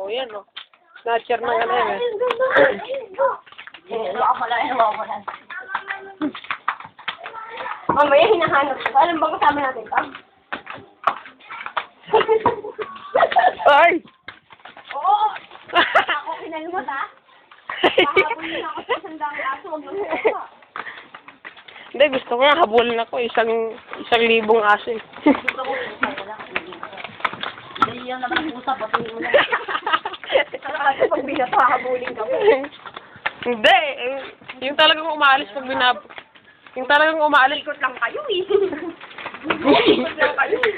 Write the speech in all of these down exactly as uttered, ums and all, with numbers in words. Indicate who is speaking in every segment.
Speaker 1: Oh, yan oh. Snatcher ng ano yan eh.
Speaker 2: Eh, wala ka lang, wala ka lang. Mamaya hinahanap ko. Alam ba kasama natin ka?
Speaker 1: Ay!
Speaker 2: Oo! Ako kinalmot ha? Pahabulin ako sa sandang aso. Huwag lang ako.
Speaker 1: Hindi, gusto ko nga habulin ako. Isang, isang libong aso eh.
Speaker 2: Gusto ko pusa wala. Hindi yan naman pusa. Patuloy mo lang. Kasi pag binato, hahabulin ka mo.
Speaker 1: Hindi. eh, Yung talagang umaalis pag binab... Yung talagang umaalis.
Speaker 2: Ikot lang kayo eh. Ikot lang kayo eh.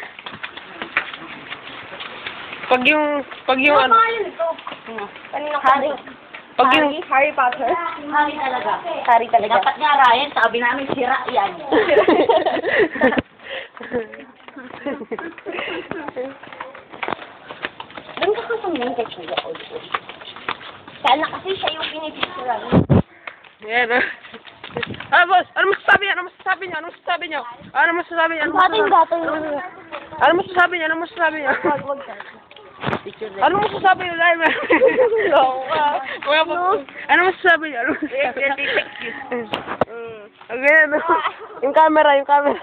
Speaker 1: Pag yung... Pag yung
Speaker 2: Ano
Speaker 1: ano...
Speaker 2: pangalan ito? Kaninang Harry.
Speaker 1: Pag yung...
Speaker 2: Harry Potter? Harry talaga. Harry talaga. Dapat nga Ryan, sabi namin sira yan. Doon ka kasamayin kay Kuya Old. Sana kasi siya yung pinipicturan.
Speaker 1: Yan ah. Ah, boss! Ano masasabi niya? Ano masasabi niya? Ano masasabi niya? Ano masasabi niya? Ano masasabi niya? Ano masasabi niya? Ano masasabi niya?
Speaker 2: Wag, wag ka.
Speaker 1: Ano masasabi niya? Dahil may... Kuya po. Ano masasabi niya? Ano masasabi niya? Okay, ano? Yung camera, yung camera.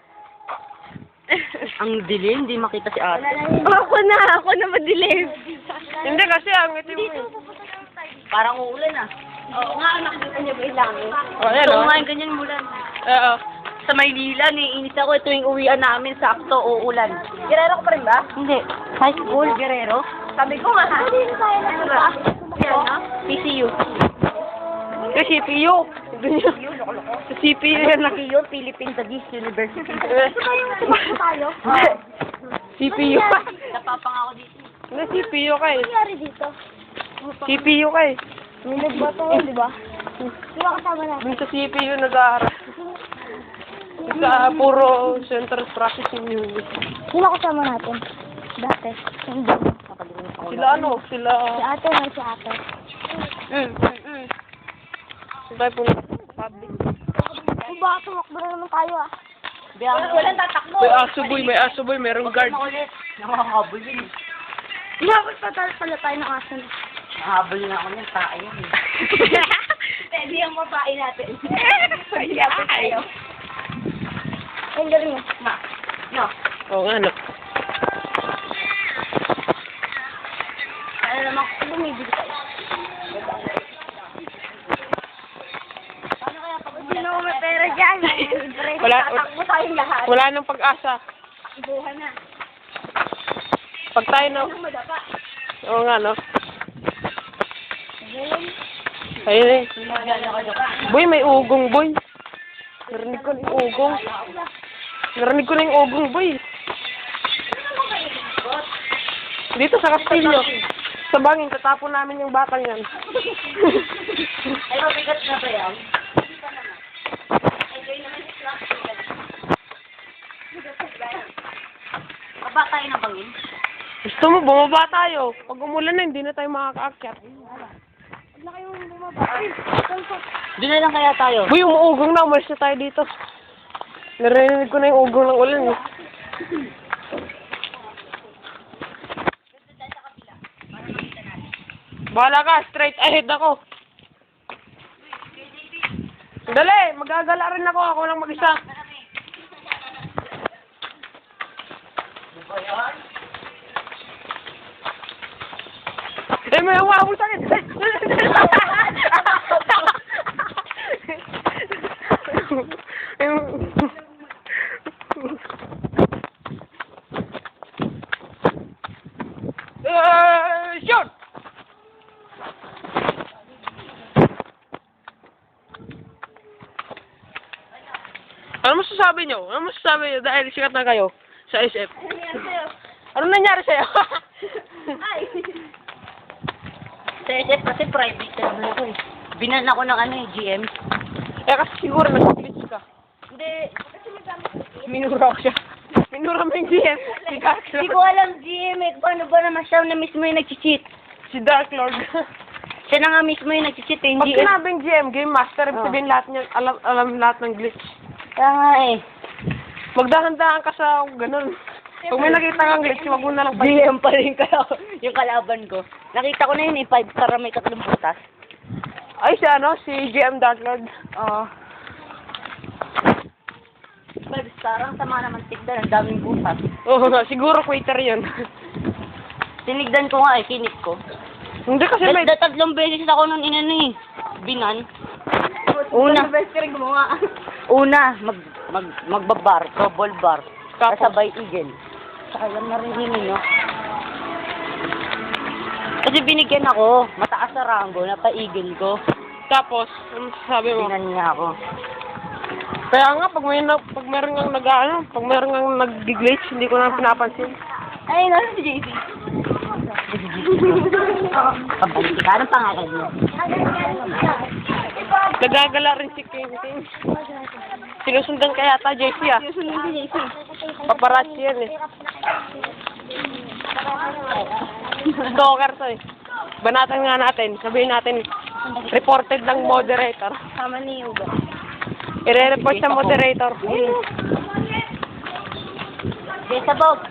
Speaker 2: Ang dilim, hindi makita si ate. Ako na, ako na madilim.
Speaker 1: Hindi kasi ang itim mo eh.
Speaker 2: Parang uulan ah. Oo nga, nakikita niyo ba yung langit?
Speaker 1: Oh, yan
Speaker 2: Oo
Speaker 1: oh.
Speaker 2: nga, yung ganyan mulan.
Speaker 1: Oo.
Speaker 2: Sa Maynila, niinis ako tuwing uwian namin, sakto, uulan. Guerrero ka pa rin ba? Hindi. High school, Guerrero? Sabi ko nga, ha? Ano ba? Yan, no? P C U.
Speaker 1: Sa C P U. Sa C P U yan lang.
Speaker 2: P C U, Philippine Taguig University.
Speaker 3: tayo?
Speaker 1: C P U.
Speaker 2: Napapang ako dito.
Speaker 1: Hindi, C P U ka eh.
Speaker 3: Ano nangyari dito?
Speaker 1: C P U ka eh.
Speaker 3: May nagbato, di ba? Di ba kasama natin?
Speaker 1: Dun sa C P U nag-aaral. Sa puro Central Processing Unit.
Speaker 3: Sino kasama natin? Dati. Hindi.
Speaker 1: Sila ano? Sila...
Speaker 3: Si ate na si ate.
Speaker 1: Mm, mm, mm. Sila tayo punta sa public.
Speaker 3: Kung baka tumakbo na naman tayo ah.
Speaker 2: Wala, walang tatakbo.
Speaker 1: May aso boy, may aso boy, merong guard.
Speaker 2: Makulit. Nakakabol yun.
Speaker 3: Dapat pa tayo pala tayo ng aso na.
Speaker 2: Nakahabol na ako niyan, tae yan eh. Pwede yung mapain natin. Pwede ako tayo.
Speaker 3: Ang galing mo.
Speaker 2: Ma. No.
Speaker 1: Oo nga no.
Speaker 2: Ano naman kung bumibili tayo? Paano kaya pag
Speaker 3: Sino mo may pera dyan?
Speaker 1: Wala,
Speaker 2: tatakbo tayong lahat?
Speaker 1: wala nang pag-asa.
Speaker 2: Ibuhan na.
Speaker 1: Pag tayo na...
Speaker 2: Anong madapa?
Speaker 1: Oo nga no. Ayun eh. Boy, may ugong boy. Narinig ko na yung ugong. Narinig ko na yung ugong boy. Dito sa Castillo. Sa bangin, tatapon namin yung batang yan.
Speaker 2: Ay, mabigat na ba yan? Enjoy naman si Clark. Baba tayo ng bangin.
Speaker 1: Gusto mo, bumaba tayo. Pag umulan na, hindi na tayo makakaakyat.
Speaker 3: Huwag na kayong bumaba. Ay, saan
Speaker 2: Doon na lang kaya tayo.
Speaker 1: Boy, umuugong na. Umalis na tayo dito. Narinig ko na yung ugong ng ulan eh. Bahala ka, straight ahead ako. Dali, magagala rin ako. Ako lang mag-isa. Eh, may humabol sa akin. Uh, shoot! Ano masasabi nyo? Ano masasabi nyo dahil sikat na kayo sa S F? Ano nangyari sa'yo?
Speaker 2: Ay! Sa S F kasi private na ako eh. Binan ako ng ano eh, G M.
Speaker 1: Eh kasi siguro nag-glitch ka.
Speaker 2: Hindi.
Speaker 1: Minura ko siya. Minura mo yung G M. Si Dark
Speaker 2: Hindi
Speaker 1: Lord.
Speaker 2: ko alam G M eh. Paano ba naman siya na mismo yung nag-cheat?
Speaker 1: Si Dark Lord.
Speaker 2: Siya na nga mismo yung nag-cheat eh,
Speaker 1: Pag
Speaker 2: G M.
Speaker 1: sinabing G M, Game Master, ibig
Speaker 2: Oh.
Speaker 1: sabihin lahat niya, alam, alam lahat ng glitch.
Speaker 2: Kaya nga eh.
Speaker 1: Magdahan-dahan ka sa ganun. Kung may nakita kang glitch, wag mo na lang
Speaker 2: G M pa rin kaya yung kalaban ko. Nakita ko na yun eh, five star na may tatlong butas.
Speaker 1: Ay, si ano, si G M Dark Lord.
Speaker 2: Oo. five star, ang sama naman tigdan, ang daming butas.
Speaker 1: Oo nga, siguro quitter yun.
Speaker 2: Tinigdan ko nga eh, kinip ko.
Speaker 1: Hindi kasi may...
Speaker 2: Dahil tatlong beses ako nun inano eh, binan. Una. Una, mag, mag, magbabar, double bar.
Speaker 1: Tapos?
Speaker 2: Kasabay eagle. Saka yan narinig no? Kasi binigyan ako, mataas na rango, napa-eagle ko.
Speaker 1: Tapos, ano sabi mo?
Speaker 2: Binan niya ako.
Speaker 1: Kaya nga, pag may na, pag meron nga nag ano, pag meron nga nag-glitch, hindi ko na pinapansin.
Speaker 2: Ay, nasa si J C. Pabalik ka, anong pangalan mo?
Speaker 1: Nagagala rin si King King. Sinusundan kaya ta, J C ah.
Speaker 2: Susunod si J C.
Speaker 1: Paparazzi yan eh. Stalker to eh. Banatan nga natin, sabihin natin, reported ng moderator.
Speaker 2: Sama ni Uga.
Speaker 1: I-re-report sa moderator.
Speaker 2: Okay, sabog.